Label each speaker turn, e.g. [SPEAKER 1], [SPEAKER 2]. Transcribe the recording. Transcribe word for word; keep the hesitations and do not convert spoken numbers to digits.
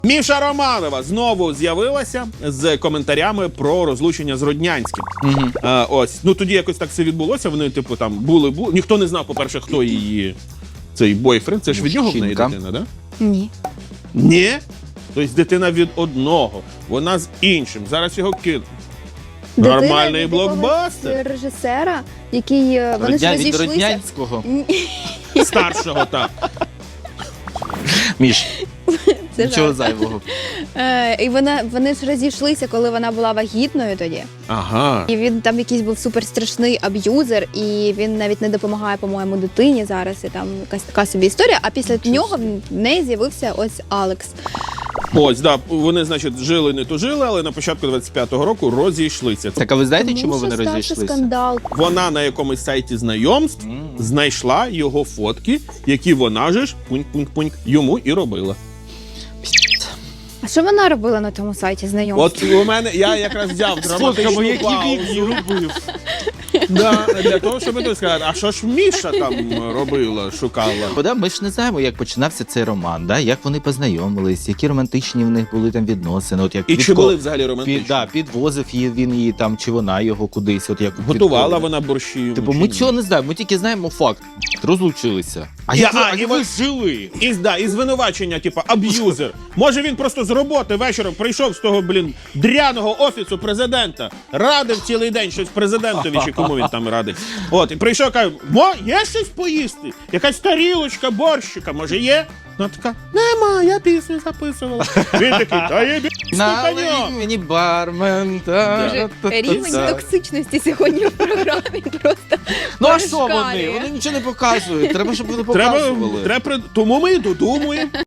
[SPEAKER 1] Міша Романова знову з'явилася з коментарями про розлучення з Роднянським.
[SPEAKER 2] Угу.
[SPEAKER 1] А, ось, ну тоді якось так все відбулося. Вони, типу, там були, були. Ніхто не знав, по-перше, хто її цей бойфренд. Це ж від нього в неї
[SPEAKER 2] Мужчинка.
[SPEAKER 1] дитина, да?
[SPEAKER 3] Ні.
[SPEAKER 1] Ні. Тобто дитина від одного, вона з іншим. Зараз його кинуть. Нормальний
[SPEAKER 3] Дитина від
[SPEAKER 1] блокбастер.
[SPEAKER 3] якогось режисера, який е, вони ж
[SPEAKER 2] Родня... Від
[SPEAKER 3] розійшлися.
[SPEAKER 2] Роднянського.
[SPEAKER 1] Старшого, так.
[SPEAKER 2] Міш,
[SPEAKER 3] Це
[SPEAKER 2] нічого
[SPEAKER 3] жарт.
[SPEAKER 2] зайвого.
[SPEAKER 3] Е, і вона, вони ж розійшлися, коли вона була вагітною тоді.
[SPEAKER 1] Ага.
[SPEAKER 3] І він там якийсь був суперстрашний аб'юзер, і він навіть не допомагає, по-моєму, дитині зараз. І там якась така собі історія. А після нього в неї з'явився ось Алекс.
[SPEAKER 1] Ось, да, вони, значить, жили, не тужили, але на початку двадцять п'ятого року розійшлися.
[SPEAKER 2] Так, а ви знаєте, чому
[SPEAKER 3] Тому
[SPEAKER 2] вони
[SPEAKER 3] що стався
[SPEAKER 2] розійшлися?
[SPEAKER 3] скандал.
[SPEAKER 1] Вона на якомусь сайті знайомств
[SPEAKER 2] М.
[SPEAKER 1] знайшла його фотки, які вона же ж пуньк-пуньк-пуньк йому і робила.
[SPEAKER 3] А що вона робила на тому сайті знайомств?
[SPEAKER 1] От у мене, я якраз взяв драматичну паузу.
[SPEAKER 2] робив.
[SPEAKER 1] Да, для того, щоб тут сказати, а що ж Міша там робила, шукала?
[SPEAKER 2] Бо, ми ж не знаємо, як починався цей роман, да? Як вони познайомились, які романтичні в них були там відносини. От як
[SPEAKER 1] І
[SPEAKER 2] від
[SPEAKER 1] чи
[SPEAKER 2] ко-
[SPEAKER 1] були взагалі
[SPEAKER 2] під,
[SPEAKER 1] романтичні?
[SPEAKER 2] да, підвозив її, він її там, чи вона його кудись. От як
[SPEAKER 1] Готувала
[SPEAKER 2] від-
[SPEAKER 1] вона борщі?
[SPEAKER 2] Типу,
[SPEAKER 1] чи
[SPEAKER 2] ми
[SPEAKER 1] ні?
[SPEAKER 2] цього не знаємо, ми тільки знаємо факт. Розлучилися. А
[SPEAKER 1] Я-
[SPEAKER 2] як ви,
[SPEAKER 1] а,
[SPEAKER 2] а
[SPEAKER 1] і
[SPEAKER 2] як
[SPEAKER 1] ви-
[SPEAKER 2] ви жили?
[SPEAKER 1] І, да, і звинувачення, типу, аб'юзер. Може він просто з роботи вечором прийшов з того, блін, дряного офісу президента, радив цілий день щось президентові, чи кому він там радив. От, і прийшов, каже, мо, є щось поїсти? Якась тарілочка, борщика, може є? Вона така, нема, я пісню записувала. Він такий, та є бі...
[SPEAKER 2] Налий мені бармен. та-
[SPEAKER 3] Дуже
[SPEAKER 2] та- та-
[SPEAKER 3] рівень
[SPEAKER 2] та.
[SPEAKER 3] токсичності сьогодні в програмі просто.
[SPEAKER 2] Ну а що вони?
[SPEAKER 3] перешкалює.
[SPEAKER 2] Вони нічого не показують. Треба, щоб вони
[SPEAKER 1] Треба,
[SPEAKER 2] показували.
[SPEAKER 1] треба, при- тому ми і додумуємо.